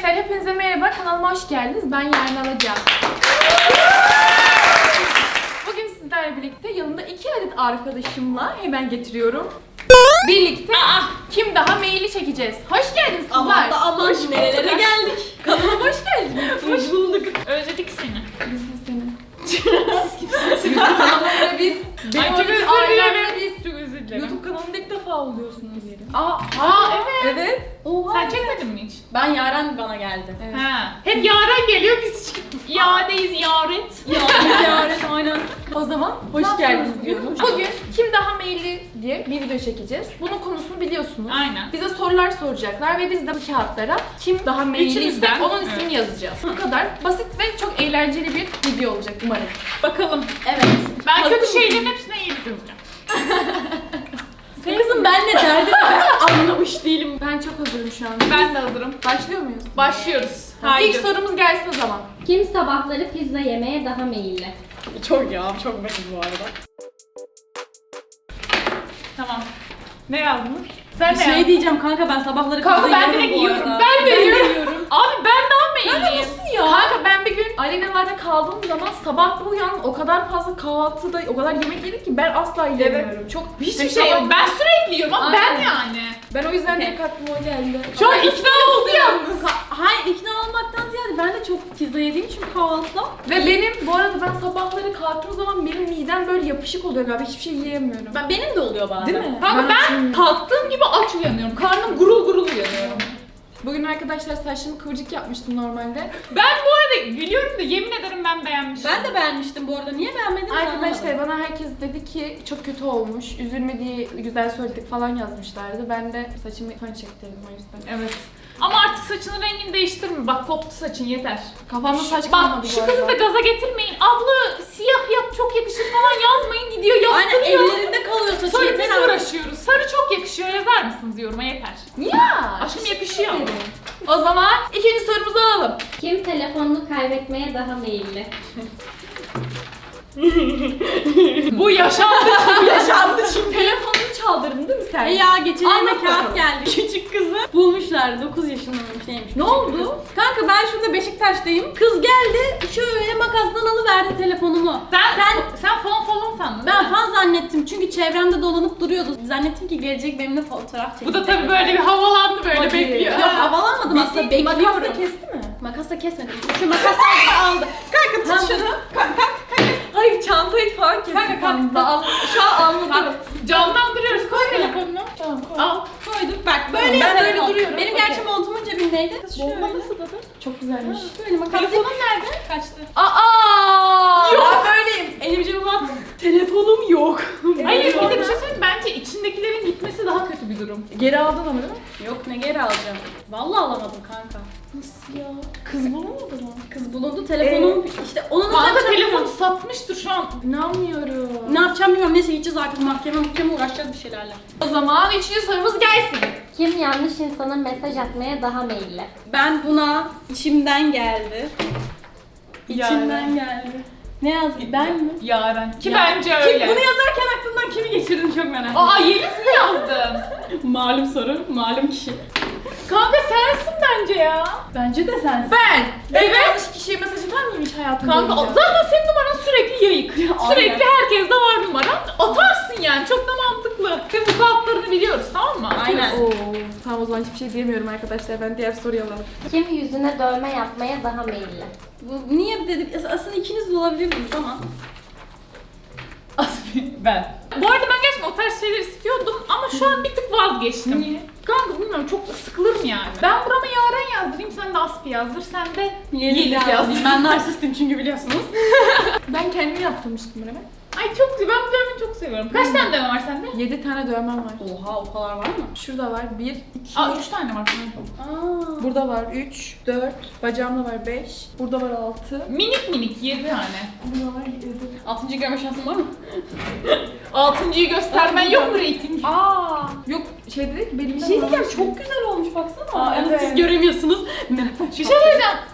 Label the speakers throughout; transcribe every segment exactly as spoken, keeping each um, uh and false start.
Speaker 1: Arkadaşlar hepinize merhaba, kanalıma hoş geldiniz. Ben Yarın Alacağım. Bugün sizlerle birlikte yanımda iki adet arkadaşımla hemen getiriyorum. Birlikte Aa, kim daha maili çekeceğiz. Hoş geldiniz kızlar.
Speaker 2: Aman da aman nerelere geldik.
Speaker 1: Kanalıma hoş geldiniz.
Speaker 2: Hoş bulduk.
Speaker 3: Özledik seni.
Speaker 1: Biz de seni. Siz kimsiniz? Kanalımda biz.
Speaker 3: Ay çok özür
Speaker 1: ailemle
Speaker 3: dilerim. Çok özür dilerim.
Speaker 1: YouTube kanalımda ilk defa oluyorsunuz.
Speaker 2: Aa,
Speaker 3: Aa evet.
Speaker 1: Evet.
Speaker 2: Oha.
Speaker 3: Sen çekmedin mi hiç?
Speaker 2: Ben Yaren bana geldi.
Speaker 1: Evet.
Speaker 3: Ha. Hep Yaren geliyor, biz hiç iadeyiz, yaret.
Speaker 2: Ya Yaren aynen.
Speaker 1: O zaman
Speaker 2: Ne
Speaker 1: hoş geldiniz
Speaker 2: yapıyoruz
Speaker 1: diyorum. Bugün kim daha maili diye bir video çekeceğiz. Bunun konusunu biliyorsunuz.
Speaker 3: Aynen.
Speaker 1: Bize sorular soracaklar ve biz de bu kağıtlara kim daha mailiyse
Speaker 3: Üçümüzden,
Speaker 1: onun ismini
Speaker 3: evet.
Speaker 1: yazacağız. Bu kadar basit ve çok eğlenceli bir video olacak umarım.
Speaker 3: Bakalım.
Speaker 2: Evet.
Speaker 3: Ben
Speaker 1: Hazır
Speaker 3: kötü
Speaker 1: mısın?
Speaker 3: şeylerin hepsine iyi yazacağım.
Speaker 2: Kızım ben ne derdim anlamış değilim.
Speaker 1: Ben çok hazırım şu an.
Speaker 3: Ben de hazırım.
Speaker 1: Başlıyor muyuz?
Speaker 3: Başlıyoruz.
Speaker 1: İlk sorumuz gelsin o zaman.
Speaker 4: Kim sabahları pizza yemeye daha meyilli?
Speaker 2: Çok ya çok basit bu arada.
Speaker 3: Tamam. Ne yazdın? Sen
Speaker 2: Bir
Speaker 3: ne
Speaker 2: şey
Speaker 3: yazdın?
Speaker 2: diyeceğim kanka ben sabahları
Speaker 3: Kanka
Speaker 2: pizza
Speaker 3: ben
Speaker 2: yiyorum
Speaker 3: direkt
Speaker 2: bu
Speaker 3: yiyorum.
Speaker 2: arada.
Speaker 3: Ben de
Speaker 2: Ben de
Speaker 3: yiyorum.
Speaker 2: yiyorum.
Speaker 3: Abi ben daha meyilliyim.
Speaker 1: Ya. Kanka ben bir gün Aleyna'larda kaldığım zaman sabah bir uyandım, o kadar fazla kahvaltıda o kadar yemek yedik ki ben asla yiyemiyorum. Çok
Speaker 3: Hiçbir şey yok. Ben sürekli yiyorum ama ben
Speaker 1: Aynen.
Speaker 3: yani.
Speaker 1: Ben o yüzden direkt aklıma o geldi.
Speaker 3: Şu an ikna oldu yalnız.
Speaker 2: Hayır ikna olmaktan ziyade ben de çok pizza yediğim için kahvaltıda.
Speaker 1: Ve benim bu arada ben sabahları kalktığım zaman benim midem böyle yapışık oluyor galiba, hiçbir şey yiyemiyorum.
Speaker 2: Ben, benim de oluyor bazen.
Speaker 1: Değil mi?
Speaker 3: Kanka ben
Speaker 1: açayım.
Speaker 3: kalktığım gibi aç uyanıyorum. Karnım gurul gurul uyanıyorum.
Speaker 1: Bugün arkadaşlar saçımı kıvırcık yapmıştım normalde.
Speaker 3: Ben bu arada gülüyorum da yemin ederim ben beğenmişim.
Speaker 2: Ben de beğenmiştim bu arada. Niye beğenmedin?
Speaker 1: Arkadaşlar bana herkes dedi ki çok kötü olmuş, üzülme diye güzel söyledik falan yazmışlardı. Ben de saçımı fön çektirdim o yüzden.
Speaker 3: Evet. Ama artık saçının rengini değiştirme. Bak koptu saçın yeter.
Speaker 1: Kafamda saç kalmadı
Speaker 3: Bak
Speaker 1: bu
Speaker 3: şu
Speaker 1: arada.
Speaker 3: kızı da gaza getirmeyin. Abla siyah yap çok yakışır falan yazmayın, gidiyor
Speaker 2: Aynen
Speaker 3: yaptırıyor.
Speaker 2: ellerinde kalıyor saçı
Speaker 3: Sonra
Speaker 2: yeter
Speaker 3: biz
Speaker 2: artık.
Speaker 3: uğraşıyoruz. Sarı çok yakışıyor, yazar mısınız yoruma, yeter.
Speaker 1: Ya!
Speaker 3: Aşkım yakışıyor.
Speaker 1: O zaman ikinci sorumuzu alalım.
Speaker 4: Kim telefonunu kaybetmeye daha meyilli?
Speaker 3: Bu yaşandı.
Speaker 1: Yaşandı şimdi. Telefonunu çaldırdın değil mi sen?
Speaker 2: E ya geçen
Speaker 1: Anlat
Speaker 2: elime kağıt
Speaker 1: bakalım.
Speaker 2: geldi. Küçük kızı bulmuşlar. dokuz yaşındaymış neymiş.
Speaker 1: Ne
Speaker 2: küçük
Speaker 1: oldu?
Speaker 2: kız. Kanka ben şurada Beşiktaş'tayım. Kız geldi şöyle makasdan alıverdi telefonumu.
Speaker 3: Sen,
Speaker 2: Sen
Speaker 3: sen falan falan sandın.
Speaker 2: ben
Speaker 3: değil mi?
Speaker 2: fan zannettim çünkü çevremde dolanıp duruyordu. Zannettim ki gelecek benimle fotoğraf çekecek.
Speaker 3: Bu da tabii böyle bir havalandı böyle
Speaker 1: Hadi.
Speaker 3: bekliyor.
Speaker 2: Yok havalanmadım aslında bekliyorum.
Speaker 1: Makasla kesti mi?
Speaker 2: Makasla kesmedim. Şu makasla aldı. Kanka tut şunu.
Speaker 1: Hayır, çantayı falan kesti.
Speaker 2: Kanka, kanka.
Speaker 1: Al- Şu an anladım.
Speaker 3: Bak canlandırıyoruz. Koy telefonunu.
Speaker 1: Tamam, koy.
Speaker 3: Al.
Speaker 2: Koyduk bak böyle
Speaker 1: Ben
Speaker 2: ya
Speaker 1: böyle
Speaker 2: telefon.
Speaker 1: duruyorum.
Speaker 2: Benim
Speaker 1: Okey.
Speaker 2: gerçi montumun cebindeydi. Kız şöyle.
Speaker 1: Bomba nasıl tadı? Çok güzelmiş.
Speaker 2: Böyle makas.
Speaker 3: Telefonun nerede? Kaçtı.
Speaker 1: Aa! Ben böyleyim.
Speaker 2: Elimi cebime attım. Telefonum yok.
Speaker 3: Hayır bir de bir şey söyleyeyim. Bence içindekilerin gitmesi daha kötü bir durum.
Speaker 1: Geri aldın ama değil mi?
Speaker 2: Yok ne geri alacağım. Vallahi alamadım kanka.
Speaker 1: Nasıl ya? Kız bulamadı mı?
Speaker 2: Kız bulundu telefonum işte onu nasıl
Speaker 3: Kanka
Speaker 2: yapacağım
Speaker 3: telefonu
Speaker 2: bilmiyorum.
Speaker 3: satmıştır şu an.
Speaker 1: İnanmıyorum.
Speaker 2: Ne yapacağım bilmiyorum. Neyse gideceğiz artık mahkeme mahkeme uğraşacağız bir şeylerle.
Speaker 1: O zaman üçüncü sorumuz gelsin.
Speaker 4: Kim yanlış insana mesaj atmaya daha meyilli?
Speaker 2: Ben buna içimden geldi. İçimden
Speaker 3: Yani.
Speaker 2: geldi. Ne yazdı? Ben mi?
Speaker 3: Yaren. Ki
Speaker 2: Ya,
Speaker 3: bence
Speaker 2: Kim
Speaker 3: öyle.
Speaker 2: bunu yazarken aklından kimi geçirdin çok merak ediyorum.
Speaker 3: Aa Yeliz mi yazdın?
Speaker 2: Malum soru, malum kişi.
Speaker 3: Kanka sensin bence ya.
Speaker 2: Bence de sensin.
Speaker 1: Ben.
Speaker 3: Evet.
Speaker 1: Yanlış kişiye mesaj atar mıyım hiç hayatımda?
Speaker 3: Kanka
Speaker 1: boyunca?
Speaker 3: zaten senin numaran sürekli yayık.
Speaker 2: Aynen.
Speaker 3: Sürekli herkeste var numaran. Atarsın yani çok da mantıklı. Ve bu kağıtlarını biliyoruz tamam mı?
Speaker 2: Aynen.
Speaker 1: Oo, tamam o zaman hiçbir şey diyemiyorum arkadaşlar. Ben diğer soruyu alalım.
Speaker 4: Kim yüzüne dövme yapmaya daha meyilli?
Speaker 2: Bu niye dedim? Aslında ikiniz de olabilirdiniz ama.
Speaker 3: Ben. Bu arada ben gerçekten o tarz şeyler istiyordum ama şu an bir tık vazgeçtim.
Speaker 1: Niye?
Speaker 3: Kanka bilmiyorum çok sıkılırım yani. Ben burama Yaren yazdırayım, sen de Aspi yazdır, sen de
Speaker 2: Yeliz
Speaker 3: Yeliz yaz.
Speaker 2: yazdım. Ben narsistim çünkü biliyorsunuz.
Speaker 1: Ben kendimi yaptırmıştım bunu.
Speaker 3: Ay çok güzel, ben bu dövmeyi çok seviyorum. Kaç tane dövme var sende?
Speaker 1: Yedi tane dövmem var.
Speaker 2: Oha o kadar var mı?
Speaker 1: Şurada var bir, iki.
Speaker 3: Aa üç tane var.
Speaker 2: Aa.
Speaker 1: Burada var üç, dört. Bacağımda var beş. Burada var altı.
Speaker 3: Minik minik yedi tane.
Speaker 1: Burada var yedi.
Speaker 2: Altıncı görme şansın var mı?
Speaker 3: Altıncıyı göstermen yok mu reyting?
Speaker 1: Aa, yok şey dedi ki benim
Speaker 2: Bir şey diyeceğim çok güzel olmuş baksana.
Speaker 1: Aa,
Speaker 2: Yani
Speaker 1: evet.
Speaker 2: siz göremiyorsunuz. Merhaba.
Speaker 3: Bir şey söyleyeceğim. Aynı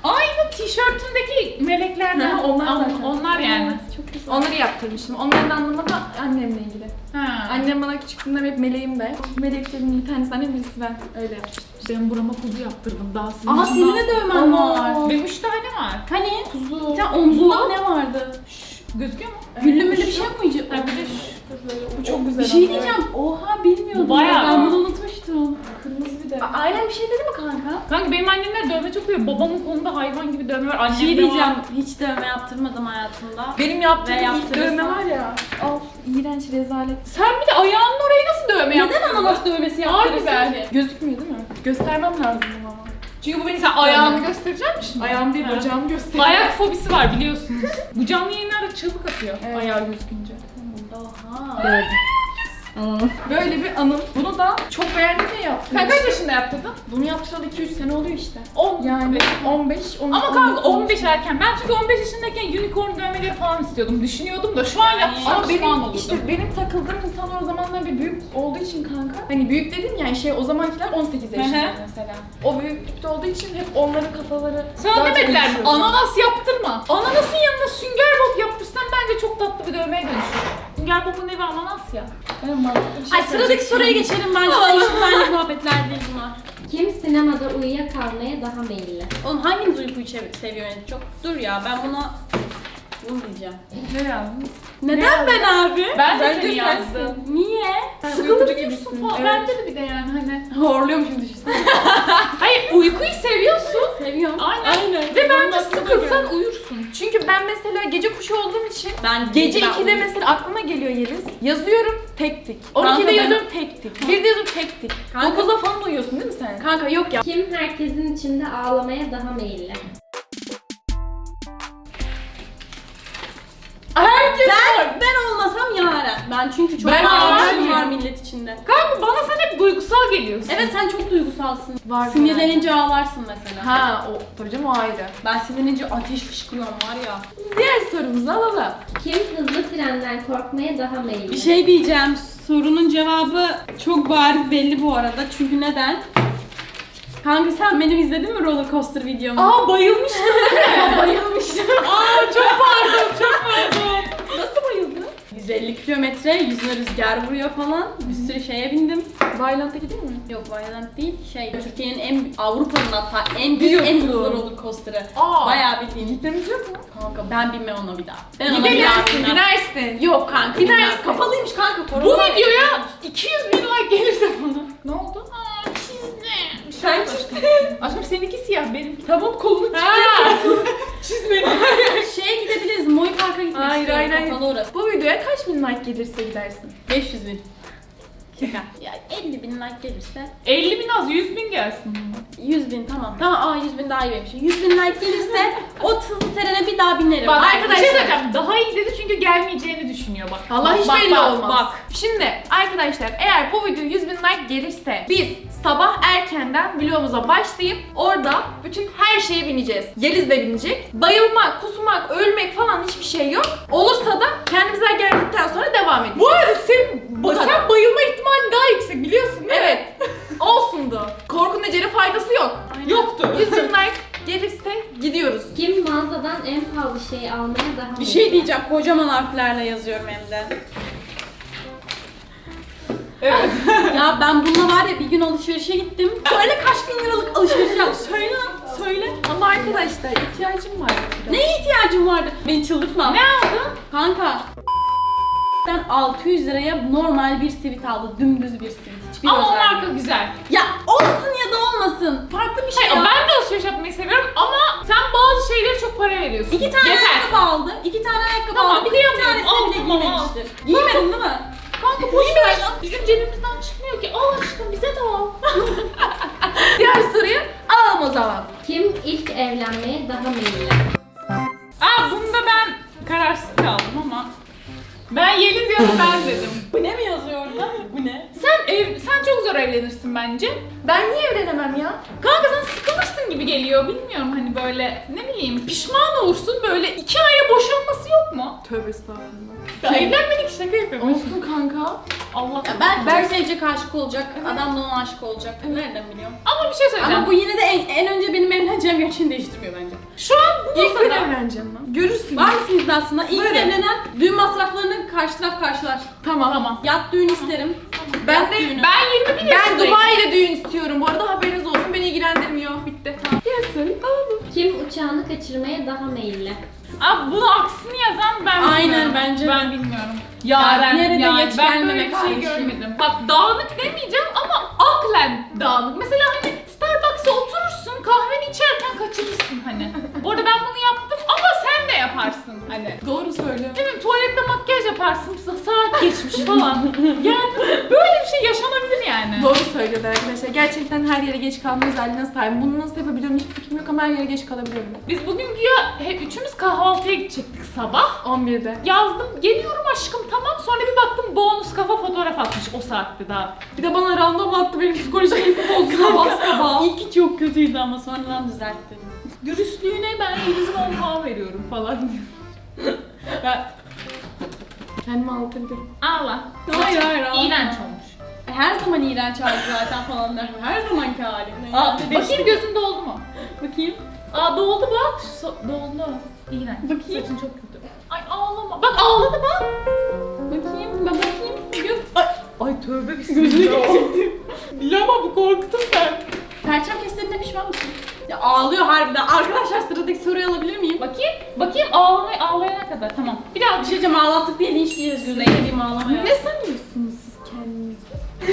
Speaker 3: senin tişörtündeki meleklerden.
Speaker 1: Ha, onlar
Speaker 3: An-
Speaker 1: zaten.
Speaker 3: Onlar yani.
Speaker 1: Evet, çok güzel. Onları yaptırmıştım. Onların anlamı da annemle ilgili.
Speaker 3: Ha.
Speaker 1: Annem bana küçüklüğümden hep meleğim de. Meleklerimin bir tanesi annem, birisi ben. Öyle yapmıştım.
Speaker 3: Ben burama kuzu yaptırdım daha sizin.
Speaker 2: Aa senin de dövmen var.
Speaker 3: Benim üç tane var.
Speaker 2: Hani?
Speaker 1: Kuzu.
Speaker 2: Sen omzunda ne vardı?
Speaker 3: Gözüküyor mu?
Speaker 2: Güllü müllü bir şey mi uyucu?
Speaker 3: Ha bir de şu.
Speaker 1: Bu çok güzel.
Speaker 2: Bir şey
Speaker 1: ama.
Speaker 2: diyeceğim. Oha bilmiyordum.
Speaker 3: Bu bayağı.
Speaker 2: Ben bunu unutmuştum.
Speaker 1: Kırmızı bir de.
Speaker 2: A- Ailen bir şey dedi mi kanka?
Speaker 3: Kanka benim annemler dövme çok iyi. Babamın kolunda hayvan gibi dövme var.
Speaker 2: Bir
Speaker 3: Annemde
Speaker 2: şey diyeceğim.
Speaker 3: var.
Speaker 2: Hiç dövme yaptırmadım hayatımda.
Speaker 1: Benim yaptığım
Speaker 2: Ve
Speaker 1: ilk
Speaker 2: yaptırırsan-
Speaker 1: dövme var ya. Al, iğrenç rezalet.
Speaker 3: Sen bir de ayağının orayı nasıl dövme yaptın?
Speaker 2: Neden ananas dövmesi
Speaker 3: Harbi
Speaker 2: yaptırırsın
Speaker 3: ben.
Speaker 2: ki?
Speaker 1: Gözükmüyor değil mi? Göstermem lazım ama. Çünkü bu benim
Speaker 3: Sen ayağını gösterecek misin?
Speaker 1: Ayağım değil,
Speaker 3: Ha.
Speaker 1: bacağımı gösteriyor.
Speaker 3: Ayak fobisi var biliyorsunuz. Bu canlı yayınlarda çığlık atıyor.
Speaker 1: Evet.
Speaker 3: Ayağı gözükünce.
Speaker 2: Oha.
Speaker 1: Böyle bir anım. Bunu da çok beğendim ve yaptım.
Speaker 3: Sen kaç yaşında yaptırdın?
Speaker 1: Bunu yaptıralı iki üç sene oluyor işte.
Speaker 3: on.
Speaker 1: Yani on beş, on
Speaker 3: Ama kanka on beş erken. Ben çünkü on beş yaşındayken unicorn dövmeleri falan istiyordum. Düşünüyordum da şu an yapsam
Speaker 1: Ama
Speaker 3: pişman
Speaker 1: benim
Speaker 3: olurdum.
Speaker 1: işte benim takıldığım insanlar o zamanlar bir büyük olduğu için kanka. Hani büyük dedim yani şey o zamankiler on sekiz yaşında
Speaker 3: Hı hı.
Speaker 1: mesela. O büyüklükte olduğu için hep onların kafaları
Speaker 3: Sana
Speaker 1: daha
Speaker 3: demediler mi?
Speaker 1: çok
Speaker 3: Ananas yaptırma. Ananasın yanına sünger bob yaptırsan bence çok tatlı bir dövmeye dönüşür. Sünger bobun evi ananas ya.
Speaker 1: Evet, mantıklı bir şey
Speaker 2: Ay sıradaki
Speaker 1: söyleyecektim.
Speaker 2: soruya geçelim bence. Eşitmenlik muhabbetler değil bunlar.
Speaker 4: Kim sinemada uyuyakalmaya daha meyilli?
Speaker 2: Oğlum hanginiz uykuyu sev- seviyor en çok? Dur ya ben buna... Bunu diyeceğim.
Speaker 3: Ne yazdın?
Speaker 2: Neden ben abi?
Speaker 3: Ben de
Speaker 1: Bence
Speaker 3: seni
Speaker 1: sensin.
Speaker 3: yazdım.
Speaker 2: Niye?
Speaker 1: Sen
Speaker 3: Sıkılır
Speaker 1: uykucu
Speaker 3: mısın
Speaker 1: gibisin.
Speaker 3: falan?
Speaker 1: Evet.
Speaker 3: Bende de bir de yani hani.
Speaker 1: Horluyormuşum düşünsene.
Speaker 3: Hayır uykuyu seviyorsun.
Speaker 2: Seviyorum.
Speaker 3: Aynen. Ve bence
Speaker 1: Benim aklıma
Speaker 3: sıkılsan
Speaker 1: geldi.
Speaker 3: uyursun.
Speaker 1: Çünkü ben mesela gece kuşu olduğum için
Speaker 2: Ben
Speaker 1: gece
Speaker 2: ben
Speaker 1: ikide
Speaker 2: uyuyorum.
Speaker 1: mesela aklıma geliyor Yeliz. Yazıyorum tek tik. on
Speaker 2: Kanka
Speaker 1: ikide
Speaker 2: ben-
Speaker 1: yazıyorum tek tik. birde yazıyorum tek tik.
Speaker 2: Kanka-
Speaker 1: dokuzda falan uyuyorsun değil mi sen?
Speaker 2: Kanka yok ya.
Speaker 4: Kim herkesin içinde ağlamaya daha meyilli?
Speaker 1: Herkes
Speaker 2: Ben, ben olmasam Yaren. Ben çünkü çok
Speaker 3: Ben
Speaker 2: ağlarım
Speaker 3: ağlarım.
Speaker 2: var millet içinde.
Speaker 3: Kanka bana sen hep duygusal geliyorsun.
Speaker 2: Evet sen çok duygusalsın.
Speaker 1: Var
Speaker 2: Sinirlenince ağlarsın mesela.
Speaker 1: Ha o tabii canım o ayrı.
Speaker 2: Ben sinirlenince ateş fışkırıyorum var ya.
Speaker 1: Diğer sorumuzu alalım.
Speaker 4: Kim hızlı trenden korkmaya daha meyilli?
Speaker 2: Bir şey diyeceğim. Sorunun cevabı çok bariz belli bu arada. Çünkü neden? Kanka sen benim izledin mi roller coaster videomu?
Speaker 3: Aa bayılmıştım.
Speaker 2: bayılmıştım.
Speaker 3: Aa çok pardon çok pardon.
Speaker 1: Nasıl bayıldın?
Speaker 2: yüz elli kilometre, yüzüne rüzgar vuruyor falan. Bir sürü şeye bindim.
Speaker 1: Violent'taki değil mi?
Speaker 2: Yok Violent değil. Şey, Türkiye'nin en, Avrupa'nın hatta en büyük, en hızlı roller coaster'ı.
Speaker 3: Aa.
Speaker 2: Bayağı bildiğin.
Speaker 1: Gitmemiz yok mu?
Speaker 2: Kanka ben binmem ona bir daha. Ben ona bir
Speaker 1: Gidersin,
Speaker 2: daha binmem.
Speaker 1: binersin.
Speaker 2: Yok kanka
Speaker 1: Binersin.
Speaker 2: binersin. Kapalıymış kanka.
Speaker 3: Bu
Speaker 2: korona var.
Speaker 3: videoya iki yüz bin like gelirse bana. Ne oldu? Aa çizme.
Speaker 1: Sen
Speaker 3: Aşkım seninki siyah benimki.
Speaker 1: Tamam kolunu
Speaker 3: Ha.
Speaker 1: çizmeni.
Speaker 2: Şeye gidebiliriz. Moy Park'a gitmek
Speaker 1: Hayır,
Speaker 2: istiyorum.
Speaker 1: hayır, hayır.
Speaker 2: Kapalı orası.
Speaker 1: Bu videoya kaç bin like gelirse gidersin?
Speaker 2: beş yüz bin. Şaka. Ya elli bin like gelirse.
Speaker 3: elli bin az yüz bin gelsin.
Speaker 2: yüz bin tamam. Tamam aa yüz bin daha iyi benim. yüz bin like gelirse o hızlı trene bir daha binerim.
Speaker 3: Bak
Speaker 1: Arkadaşlar-
Speaker 3: arkadaşlar. Bir şey söyleyeceğim. Daha iyi dedi çünkü gelmeyeceğini düşünüyor bak.
Speaker 1: Allah
Speaker 3: Bak,
Speaker 1: hiç
Speaker 3: bak,
Speaker 1: belli
Speaker 3: bak,
Speaker 1: olmaz.
Speaker 3: Bak.
Speaker 1: Şimdi arkadaşlar eğer bu video yüz bin like gelirse biz sabah erkenden vlogumuza başlayıp orada bütün her şeye bineceğiz. Yeliz de binecek. Bayılmak, kusmak, ölmek falan hiçbir şey yok. Olursa da kendimize geldikten sonra devam edeceğiz.
Speaker 3: Bu arada senin
Speaker 1: Bu
Speaker 3: sen
Speaker 1: kadar.
Speaker 3: bayılma ihtimali daha yüksek biliyorsun değil mi?
Speaker 1: Evet. Olsundu. Korkunun ecele faydası yok.
Speaker 3: Yoktu.
Speaker 1: yüz bin like gelirse gidiyoruz.
Speaker 4: Kim mağazadan en pahalı şeyi almaya daha
Speaker 2: Bir
Speaker 4: meyilli?
Speaker 2: şey diyeceğim. Kocaman harflerle yazıyorum hem de.
Speaker 3: Evet.
Speaker 2: Ya ben bununla var ya bir gün alışverişe gittim. Söyle kaç bin liralık alışveriş yap. Söyle lan. Söyle.
Speaker 1: Ama arkadaşlar ihtiyacım var.
Speaker 2: Neye ihtiyacın vardı? Beni çıldırtma.
Speaker 3: Ne aldın?
Speaker 2: Kanka. Ben altı yüz liraya normal bir sivit aldı. Dümdüz bir sivit. Hiçbir
Speaker 3: Ama o
Speaker 2: özelliği
Speaker 3: marka
Speaker 2: yok.
Speaker 3: güzel.
Speaker 2: Ya olsun ya da olmasın. Farklı bir şey
Speaker 3: Hayır,
Speaker 2: ya.
Speaker 3: ben de alışveriş yapmayı seviyorum ama sen bazı şeylere çok para veriyorsun.
Speaker 2: İki tane
Speaker 3: Yeter.
Speaker 2: ayakkabı aldı. İki tane ayakkabı
Speaker 3: Tamam,
Speaker 2: aldı. Bir
Speaker 3: kıyamıyorum.
Speaker 2: tanesini
Speaker 3: Al,
Speaker 2: bile
Speaker 3: tamam,
Speaker 2: giymemiştir. Giymedin değil mi?
Speaker 3: Kanka boş ver. Bizim cebimizden çıkmıyor ki. Al aşkım bize de al.
Speaker 1: Diğer soruyu alalım o zaman.
Speaker 4: Kim ilk evlenmeye daha meyilli?
Speaker 3: Aa bunda ben kararsız kaldım ama ben Yeliz ya da ben dedim.
Speaker 2: Bu ne mi yazıyor orada? Bu ne?
Speaker 3: Sen ev, sen çok zor evlenirsin bence.
Speaker 1: Ben niye evlenemem ya?
Speaker 3: Kanka sen sıkılırsın gibi geliyor. Bilmiyorum hani böyle ne bileyim pişman olursun böyle iki aya boşanması yok mu?
Speaker 1: Tövbe estağfurullah.
Speaker 3: Ya evlenmedik şaka yapıyorum.
Speaker 1: Olsun kanka.
Speaker 3: Allah.
Speaker 2: Ya belki ben sevecek, aşık olacak. Adam da ona aşık olacak. Nereden biliyorum?
Speaker 3: Ama bir şey söyleyeceğim.
Speaker 2: Ama bu yine de en, en önce benim evleneceğim gerçeğini değiştirmiyor bence.
Speaker 3: Şu an
Speaker 1: İlk ben evleneceğim lan. Görürsün.
Speaker 2: Var mısın iddiasına? İlk
Speaker 1: Böyle.
Speaker 2: evlenen düğün masraflarını karşı taraf karşılar.
Speaker 1: Tamam.
Speaker 3: Tamam.
Speaker 2: Yat düğün isterim.
Speaker 1: Ben
Speaker 2: Yat
Speaker 1: de
Speaker 2: düğünü.
Speaker 3: Ben yirmi bir
Speaker 1: ben
Speaker 3: yaşındayım.
Speaker 1: Dubai'de düğün istiyorum. Bu arada haberiniz olsun. Beni ilgilendirmiyor. Bitti. Tamam. Diğer soru. Tamam mı?
Speaker 4: Kim uçağını kaçırmaya daha meyilli?
Speaker 3: Abi bunu aksini yazan ben
Speaker 2: Aynen,
Speaker 3: bilmiyorum.
Speaker 2: bence.
Speaker 3: Ben bilmiyorum. Yaren,
Speaker 2: nerede
Speaker 3: yani
Speaker 2: geç
Speaker 3: ben böyle
Speaker 2: gelmemek
Speaker 3: bir şey
Speaker 2: kardeşim.
Speaker 3: görmedim. Bak dağınık demeyeceğim ama aklen dağınık. Mesela hani Starbucks'a oturursun kahveni içerken kaçırırsın hani. Bu arada ben bunu yaptım ama sen de yaparsın hani.
Speaker 1: Doğru söylüyor.
Speaker 3: Değil mi? Tuvalette makyaj yaparsın, saat geçmiş falan. Yani böyle bir şey yaşanabilir yani.
Speaker 1: Doğru söylüyordu arkadaşlar. Gerçekten her yere geç kalma özelliğine sahibim. Bunu nasıl yapabiliyorum hiçbir fikrim yok ama her yere geç kalabiliyorum.
Speaker 3: Biz bugün güya hep üçümüz kahvaltıya gidecektik sabah.
Speaker 1: on birde.
Speaker 3: Yazdım, geliyorum aşkım tamam. Sonra bir baktım bonus kafa fotoğraf atmış o saatte daha.
Speaker 2: Bir de bana random attı, benim psikolojimi bozdu sabah sabah. İlki çok kötüydü ama sonradan düzeltti.
Speaker 3: Dürüstlüğüne ben Yeliz'in on puan veriyorum falan. Ben
Speaker 1: Kendimi anlatabilirim.
Speaker 3: ağla.
Speaker 2: Hayır hayır ağlama.
Speaker 3: İğrenç olmuş.
Speaker 2: E, Her zaman iğrenç hali zaten falan der. Her zamanki hali.
Speaker 3: Aa, bakayım gözün doldu mu?
Speaker 2: Bakayım.
Speaker 3: Aa doldu bak. So- doldu. İğrenç.
Speaker 2: Bakayım.
Speaker 3: Saçın çok kötü. Ay ağlama. Bak ağladı bak.
Speaker 2: Bakayım. Ben bakayım. Göz.
Speaker 3: Ay, ay tövbe bismillah. Bilama bu korktum ben.
Speaker 2: Perçem kestiğinde pişman mısın? Ya ağlıyor harbiden. Arkadaşlar sıradaki soruyu alabilir miyim?
Speaker 3: Bakayım. Bakayım ağlamaya, ağlayana kadar. Tamam. Bir daha
Speaker 2: Bir şey diyeceğim, ağlattık diye linç yiyeceğiz. Gözüne yediğim ağlamaya.
Speaker 1: Ne sanıyorsunuz siz kendinizi?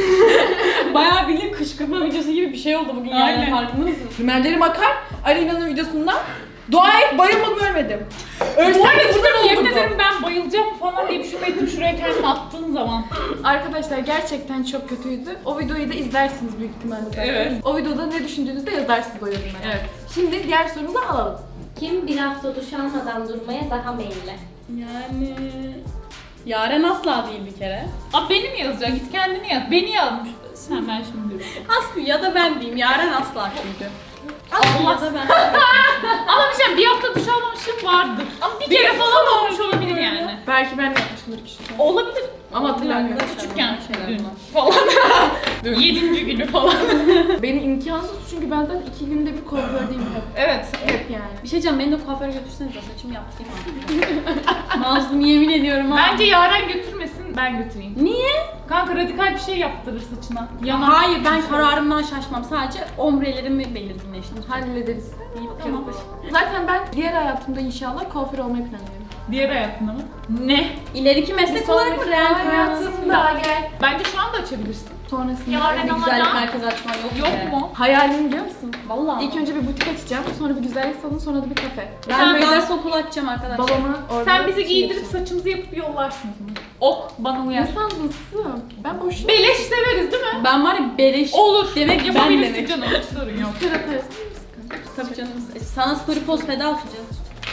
Speaker 2: Bayağı bildiğin kışkırtma videosu gibi bir şey oldu bugün yani.
Speaker 3: Aynen.
Speaker 2: Farkında mısın?
Speaker 1: Rimellerim akar. Aleyna'nın videosundan. Dua et bayılmadım ölmedim. Ölsem
Speaker 3: Bu arada
Speaker 1: de buradan
Speaker 3: yemin
Speaker 1: olurdu.
Speaker 3: ederim ben bayılacağım falan diye düşünmedim şuraya kendini attığın zaman.
Speaker 1: Arkadaşlar gerçekten çok kötüydü. O videoyu da izlersiniz büyük ihtimalle zaten.
Speaker 3: Evet.
Speaker 1: O videoda ne düşündüğünüzü de yazarsınız o yorumlara.
Speaker 3: Evet.
Speaker 1: Şimdi diğer sorumuzu alalım.
Speaker 4: Kim bir hafta duş almadan durmaya daha meyilli?
Speaker 2: Yani... Yaren asla değil bir kere.
Speaker 3: Abi beni mi yazacak? Git kendini yaz. Beni yazmış. Sen ben şimdi diyorum.
Speaker 2: Aslı ya da ben diyeyim. Yaren asla çünkü. Aslı
Speaker 3: Allah.
Speaker 2: ya da ben.
Speaker 3: Ama bir şey bir hafta duş almamışım vardır. Ama bir, kere falan olmuş olabilir yani.
Speaker 1: Belki ben de yapmışımdır küçükken.
Speaker 3: Olabilir.
Speaker 1: Ama hatırlamıyorum.
Speaker 3: Küçükken
Speaker 2: Şeyler
Speaker 3: dün
Speaker 2: bunlar.
Speaker 3: falan. Yedinci günü falan.
Speaker 1: Benim imkansız çünkü ben zaten iki günde bir kuafördeyim hep.
Speaker 3: Evet.
Speaker 1: Hep yani.
Speaker 2: Bir şey diyeceğim, beni de kuaföre götürsenize, saçımı yaptırayım abi. Mazlum yemin ediyorum ha.
Speaker 3: Bence Yaren götürmesin, ben götüreyim.
Speaker 2: Niye?
Speaker 3: Kanka radikal bir şey yaptırır saçına. Yanar.
Speaker 2: Hayır, ben kararımdan şaşmam. Sadece omrelerimi belirginleştirdim.
Speaker 1: Hallederiz.
Speaker 2: İyi
Speaker 3: Tamam.
Speaker 2: bakıyorum.
Speaker 1: Zaten ben diğer hayatımda inşallah kuaför olmayı planlıyorum.
Speaker 3: Diğer hayatında mı? Ne?
Speaker 2: İleriki meslek olarak mı renk
Speaker 1: hayatımda gel.
Speaker 3: Bence şu anda açabilirsin.
Speaker 1: Sonrasında
Speaker 3: Yaren
Speaker 2: Bir
Speaker 3: ama
Speaker 2: güzellik
Speaker 3: da-
Speaker 2: merkezi açman yok
Speaker 3: Yok
Speaker 2: be.
Speaker 3: mu?
Speaker 1: hayalim biliyor musun?
Speaker 2: Vallahi.
Speaker 1: İlk önce bir butik açacağım, sonra bir güzellik salonu, sonra da bir kafe.
Speaker 2: ben
Speaker 3: Sen-
Speaker 2: böyle dans okulu açacağım arkadaşlar.
Speaker 1: Babama orada
Speaker 3: Sen bizi
Speaker 1: şey
Speaker 3: giydirip
Speaker 1: yapacağım.
Speaker 3: saçımızı yapıp yollarsın. Ok bana uyar.
Speaker 1: Ne sandın kızım? Ben boşuna
Speaker 3: Beleş severiz değil mi?
Speaker 2: Ben var ya beleş.
Speaker 3: Olur.
Speaker 2: Demek ben
Speaker 3: yapabilirsin
Speaker 2: demek.
Speaker 3: canım. Hiç sorun yok.
Speaker 1: sıra atarız.
Speaker 2: Tabii canım. E, Sana story post feda olsun canım.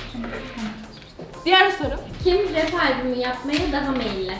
Speaker 1: Diğer soru.
Speaker 4: Kim rap albümü yapmaya daha meyilli?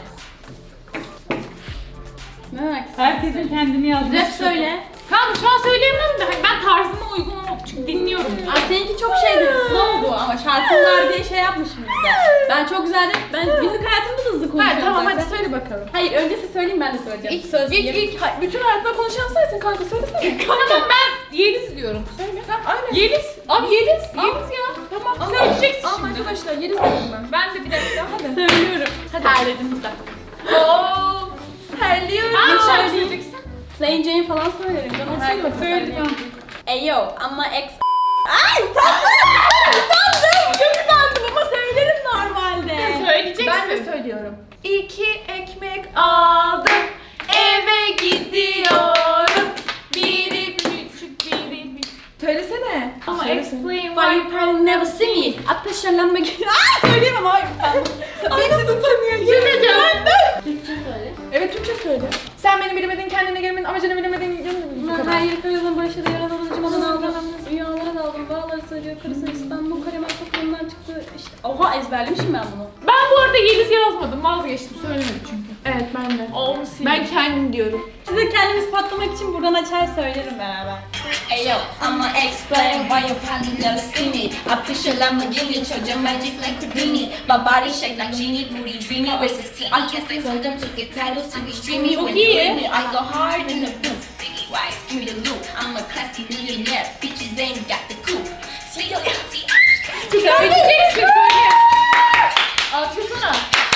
Speaker 2: Ne demek istiyorsun?
Speaker 3: Herkesin kendini yazması.
Speaker 2: Rap söyle.
Speaker 3: Kanka şu an söyleyemem de hani ben tarzıma uygun ol çünkü dinliyorum.
Speaker 2: Aa, seninki çok şeydi, slow'du ama şarkılar diye şey yapmışım bizde. Ben çok güzel rap, ben günlük hayatımda da hızlı konuşuyorum
Speaker 1: Ha, tamam
Speaker 2: zaten.
Speaker 1: hadi söyle bakalım.
Speaker 2: Hayır, öncesi söyleyeyim, ben de söyleyeceğim.
Speaker 1: İlk,
Speaker 2: Söz
Speaker 1: ilk,
Speaker 2: diyeyim.
Speaker 1: ilk, hay- bütün hayatında konuşan sensin kanka söylesene.
Speaker 3: Tamam ben Yeliz diyorum. Söyle.
Speaker 1: Tamam aynen.
Speaker 3: Yeliz. Abi Yeliz. Yeliz ya. Tamam
Speaker 1: Ama-
Speaker 3: söyleyeceksin
Speaker 1: Ama
Speaker 3: şimdi.
Speaker 1: arkadaşlar yeriz dedim ben.
Speaker 3: Ben de bir dakika.
Speaker 1: Hadi.
Speaker 2: Söylüyorum.
Speaker 1: Hadi. Terledim bir dakika. Ooo. Terliyorum.
Speaker 3: Hangi şarkı
Speaker 2: söyleyeyim.
Speaker 3: söyleyeceksin?
Speaker 2: Plain Jane falan söylerim canım.
Speaker 1: Söyle bakalım.
Speaker 3: Söyle tamam.
Speaker 2: Eyo ama ex... Ay utandım! Utandım! Çok utandım ama söylerim normalde.
Speaker 3: Söyleyeceksin.
Speaker 1: Ben de söylüyorum. İki ekmek aldım. Eve gidiyorum. Biri küçük biri büyük. Söylesene.
Speaker 3: Ama
Speaker 1: Söylesene.
Speaker 3: explain
Speaker 2: Why you probably never see me? Ateşlenme gibi. Aaa söyleyemem, hayır utandım. Ay nasıl utanıyor? Yemin ederim.
Speaker 4: Türkçe söyle.
Speaker 1: Evet Türkçe söyle. Sen beni bilemedin, kendine gelmedin, amacını bilemedin. Bu
Speaker 2: Ben
Speaker 1: kadar.
Speaker 2: her yeri kırıyordum, barışa da yaralanıcım olan aldım. Rüyalara daldım, bağları sarıyor, karısı İstanbul, Karemen toplumdan çıktı. İşte, oha ezberlemişim ben bunu.
Speaker 3: Ben bu arada Yeliz yazmadım. Vazgeçtim. Söylemedim çünkü.
Speaker 1: Evet ben de.
Speaker 3: Onu sil.
Speaker 1: Ben kendim diyorum.
Speaker 2: Size kendimiz patlamak için buradan açar söylerim beraber.
Speaker 5: Ayo, I'ma explain why you probably never see me. I push a Lamborghini, charge your magic like Houdini. My body shake like genie, booty dreamy. Where's his team? I guess I told them to get titles to be streamy. When you with me, I go hard in the booth. Biggie wise, give me the loot. I'm a classy millionaire, bitches ain't got the coupe. Sweet your empty.
Speaker 3: Söyleyeceksin söyle. Alkışlasana.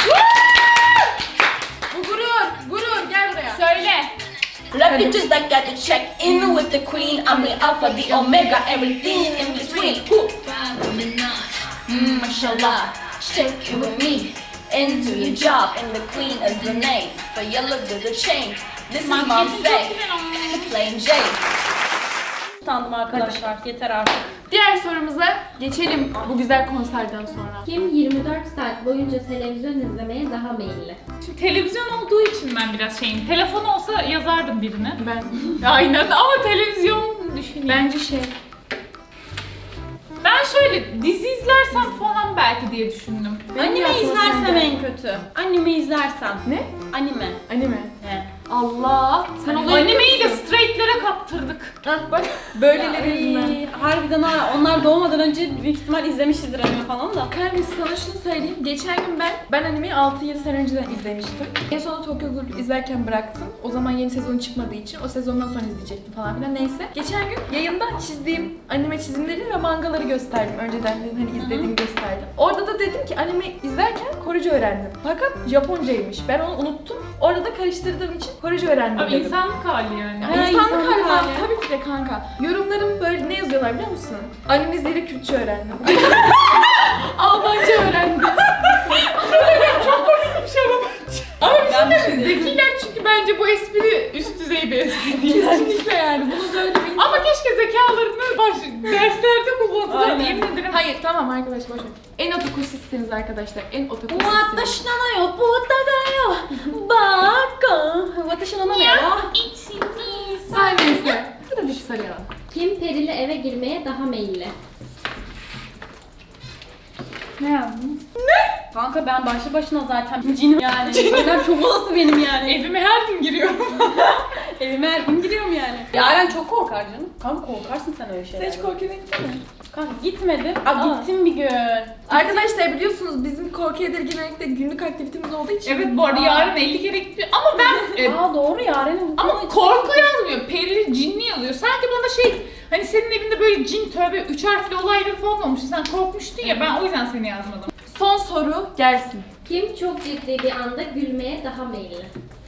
Speaker 1: Bu gurur, gurur gel buraya.
Speaker 3: Söyle.
Speaker 5: Let me just like got to check in with the queen. I'm the alpha, the omega, everything in between. Woo. Mm, mashallah, shake it with me. Into your job, and the queen is the name. For your look to the chain. This is mom
Speaker 3: Makyaajın
Speaker 5: say.
Speaker 3: çok güzel olmuş.
Speaker 5: Plain Jane.
Speaker 2: Utandım arkadaşlar. Yeter artık.
Speaker 1: Diğer sorumuza geçelim bu güzel konserden sonra.
Speaker 4: Kim yirmi dört saat boyunca televizyon izlemeye daha meyilli?
Speaker 3: Şimdi televizyon olduğu için ben biraz şeyim. Telefon olsa yazardım birine.
Speaker 1: Ben.
Speaker 3: Aynen ama televizyon düşüneyim.
Speaker 1: Bence şey.
Speaker 3: Ben şöyle dizi izlersem falan belki diye düşündüm.
Speaker 2: Anime
Speaker 1: aklıma
Speaker 2: izlersem
Speaker 1: geldi.
Speaker 2: en kötü. Anime izlersem.
Speaker 1: Ne?
Speaker 2: Anime.
Speaker 1: Anime.
Speaker 2: He.
Speaker 1: Allah. Sen olayı
Speaker 3: Animeyi de straightlere kaptırdık.
Speaker 1: Hah bak böyleleri yüzünden.
Speaker 2: Ay, harbiden ha. Onlar doğmadan önce büyük ihtimal izlemişizdir anime falan da.
Speaker 1: Kanka sana şunu söyleyeyim. Geçen gün ben ben animeyi altı yedi sene önceden izlemiştim. En sonunda Tokyo Ghoul izlerken bıraktım. O zaman yeni sezon çıkmadığı için o sezondan sonra izleyecektim falan filan. Neyse. Geçen gün yayında çizdiğim anime çizimleri ve mangaları gösterdim. Önceden dedim hani izlediğimi gösterdim. Orada da dedim ki anime izlerken Korece öğrendim. Fakat Japoncaymış. Ben onu unuttum. Orada da karıştırdığım için Korece öğrendim
Speaker 3: Abi
Speaker 1: dedim.
Speaker 3: insanlık hali yani.
Speaker 1: Ya
Speaker 2: Ha,
Speaker 1: insanlık
Speaker 2: insanlık
Speaker 1: hali var.
Speaker 2: hali.
Speaker 1: Tabii ki de kanka. Yorumlarım böyle ne yazıyorlar biliyor musun? Anime izleyerek Kürtçe öğrendim. Almanca öğrendim.
Speaker 3: Ama bir şey diyeyim mi? Zekiler çünkü bence bu espri üst düzey bir espri değil.
Speaker 1: Kesinlikle yani. Bunu böyle bir insan...
Speaker 3: Ama keşke zekalarını baş, derslerde kullansalar.
Speaker 2: Aynen.
Speaker 3: Yemin ederim.
Speaker 1: Hayır tamam arkadaş boş ver. En otaku sizsiniz arkadaşlar. En otaku
Speaker 2: Watashi
Speaker 1: sizsiniz.
Speaker 2: na yo, buta da yo, baka. Watashi no name wa
Speaker 3: İçiniz.
Speaker 1: Her neyse. Bu da bir sarı yalan.
Speaker 4: Kim perili eve girmeye daha meyilli?
Speaker 3: Ne yazdınız?
Speaker 2: Kanka ben başlı başına zaten cinim yani. Şeyler çok olası benim yani.
Speaker 3: Evime her gün giriyorum.
Speaker 2: Evime her gün giriyorum yani. Yaren çok korkar canım. Kanka korkarsın sen öyle şeylerden.
Speaker 1: Sen hiç korkuya gittin mi?
Speaker 2: Kanka gitmedim. Aa,
Speaker 1: Aa.
Speaker 2: gittim bir gün.
Speaker 1: Arkadaşlar biliyorsunuz bizim korku edir genellikle günlük aktivitemiz olduğu için.
Speaker 3: Evet bu arada yarın elli kere gitmiyor ama ben e,
Speaker 2: Aa doğru Yaren'in.
Speaker 3: ama korku yazmıyor. Perili, cinli yazıyor. Sanki bana şey hani senin evinde böyle cin tövbe üç harfli olayları falan olmuş. Sen korkmuştun ya ben o yüzden seni yazmadım.
Speaker 1: Son soru gelsin.
Speaker 4: Kim çok ciddi bir anda gülmeye daha meyilli?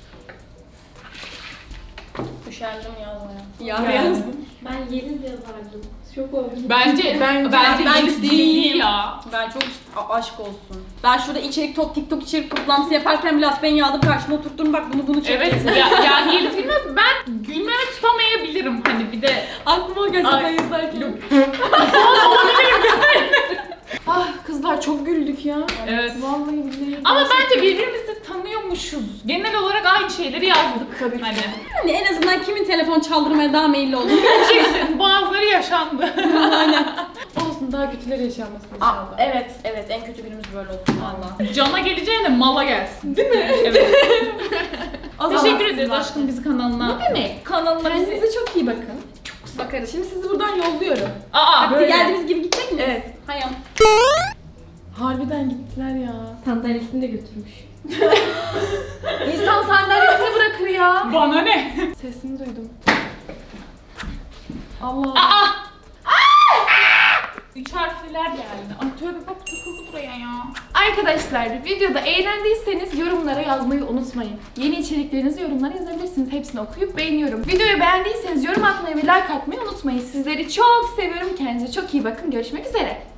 Speaker 2: Üşendim yazmaya.
Speaker 1: Yaren.
Speaker 2: yazdım.
Speaker 4: Ben Yeliz yazardım. Şok oldum.
Speaker 3: Bence
Speaker 1: Bence-
Speaker 3: bence
Speaker 2: ben
Speaker 3: Yeliz
Speaker 2: değil.
Speaker 3: değil ya.
Speaker 2: Ben çok A- aşk olsun. Ben şurada içerik top TikTok içerik toplantısı yaparken bile beni aldım karşıma oturttum bak bunu bunu çekeceğiz.
Speaker 3: Evet ya, yani Yeliz bilmez ben gülmeme tutamayabilirim hani bir de
Speaker 1: Aklıma o gazeteyi
Speaker 3: Ay.
Speaker 1: izlerken. Ah kızlar çok güldük ya.
Speaker 3: Evet.
Speaker 1: Vallahi billahi.
Speaker 3: ama bence birbirimizi tanıyormuşuz. Genel olarak aynı şeyleri yazdık.
Speaker 1: Tabii ki.
Speaker 3: Hani.
Speaker 2: Yani en azından kimin telefon çaldırmaya daha meyilli olduğunu
Speaker 3: Kesin bazıları yaşandı.
Speaker 1: Olsun daha kötüleri yaşanmasın
Speaker 2: Aa,
Speaker 1: inşallah.
Speaker 2: evet evet en kötü günümüz böyle olsun valla.
Speaker 3: Cana geleceğine mala gelsin. Değil mi? Evet.
Speaker 1: O zaman
Speaker 3: Teşekkür ederiz
Speaker 1: sizler-
Speaker 3: aşkım bizi kanalına.
Speaker 1: Ne demek?
Speaker 3: Kanalına bizi.
Speaker 1: Kendinize çok iyi bakın. Çok bakarız. Şimdi sizi buradan yolluyorum.
Speaker 3: Aa.
Speaker 1: Böyle.
Speaker 2: Geldiğimiz gibi gidecek miyiz?
Speaker 1: Evet.
Speaker 2: Hayır.
Speaker 1: Harbiden gittiler ya.
Speaker 4: Sandalyesini de götürmüş.
Speaker 1: İnsan sandalyesini bırakır ya.
Speaker 3: Bana ne?
Speaker 1: Sesini duydum. Allah.
Speaker 3: Aa! Üç harfliler geldi. Ay tövbe bak takıldı buraya ya.
Speaker 1: Arkadaşlar videoda eğlendiyseniz yorumlara yazmayı unutmayın. Yeni içeriklerinizi yorumlara yazabilirsiniz. Hepsini okuyup beğeniyorum. Videoyu beğendiyseniz yorum atmayı ve like atmayı unutmayın. Sizleri çok seviyorum. Kendinize çok iyi bakın. Görüşmek üzere.